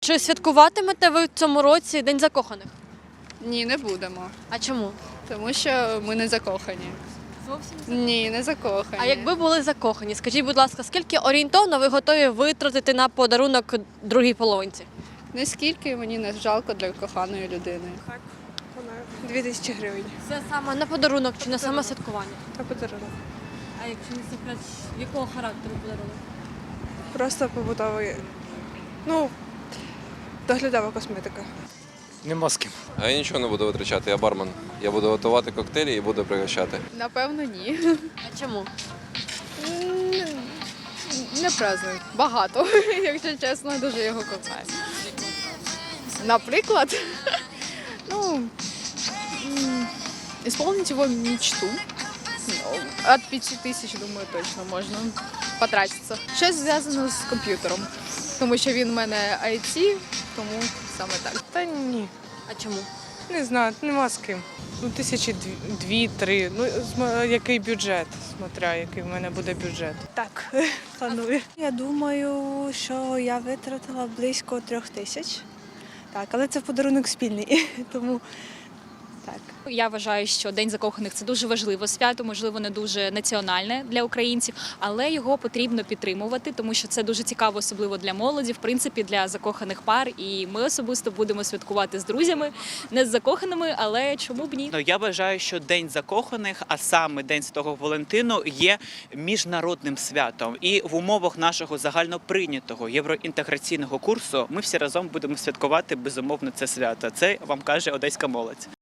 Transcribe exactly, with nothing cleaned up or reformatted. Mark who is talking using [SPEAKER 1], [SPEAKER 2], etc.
[SPEAKER 1] Чи святкуватимете ви в цьому році День закоханих?
[SPEAKER 2] Ні, не будемо.
[SPEAKER 1] А чому?
[SPEAKER 2] Тому що ми не закохані.
[SPEAKER 1] Зовсім.
[SPEAKER 2] Ні, не закохані.
[SPEAKER 1] А якби були закохані, скажіть, будь ласка, скільки орієнтовно ви готові витратити на подарунок другій половинці?
[SPEAKER 2] Наскільки мені не жалко для коханої людини.
[SPEAKER 3] Дві тисячі гривень
[SPEAKER 1] Це саме на подарунок чи на саме святкування?
[SPEAKER 3] на подарунок.
[SPEAKER 1] А якщо не секрет, якого характеру подарунок?
[SPEAKER 3] Просто побутовий, ну, доглядова косметика.
[SPEAKER 4] Нема з ким.
[SPEAKER 5] А я нічого не буду витрачати, я бармен. Я буду готувати коктейлі і буду пригощати.
[SPEAKER 2] Напевно, ні.
[SPEAKER 1] А чому?
[SPEAKER 2] Не праздную. Багато, якщо чесно, дуже його кохаю. Наприклад, ну, м, исполнить его мечту. От п'яти тисяч, думаю, точно можна потратитися. Щось зв'язано з комп'ютером, тому що він у мене ай ті, тому саме так.
[SPEAKER 6] Та ні,
[SPEAKER 1] А чому?
[SPEAKER 6] не знаю, нема з ким. Ну, тисячі дві- дві-три. Ну, см- який бюджет, смотря, який в мене буде бюджет.
[SPEAKER 3] Так, планую. Я думаю, що я витратила близько трьох тисяч. Так, але це подарунок спільний, тому так.
[SPEAKER 7] Я вважаю, що День закоханих – це дуже важливе свято, можливо, не дуже національне для українців, але його потрібно підтримувати, тому що це дуже цікаво, особливо для молоді, в принципі, для закоханих пар. І ми особисто будемо святкувати з друзями, не з закоханими, але чому б ні?
[SPEAKER 8] Ну, я вважаю, що День закоханих, а саме День Святого Валентину, є міжнародним святом. І в умовах нашого загальноприйнятого євроінтеграційного курсу ми всі разом будемо святкувати, безумовно, це свято. Це вам каже одеська молодь.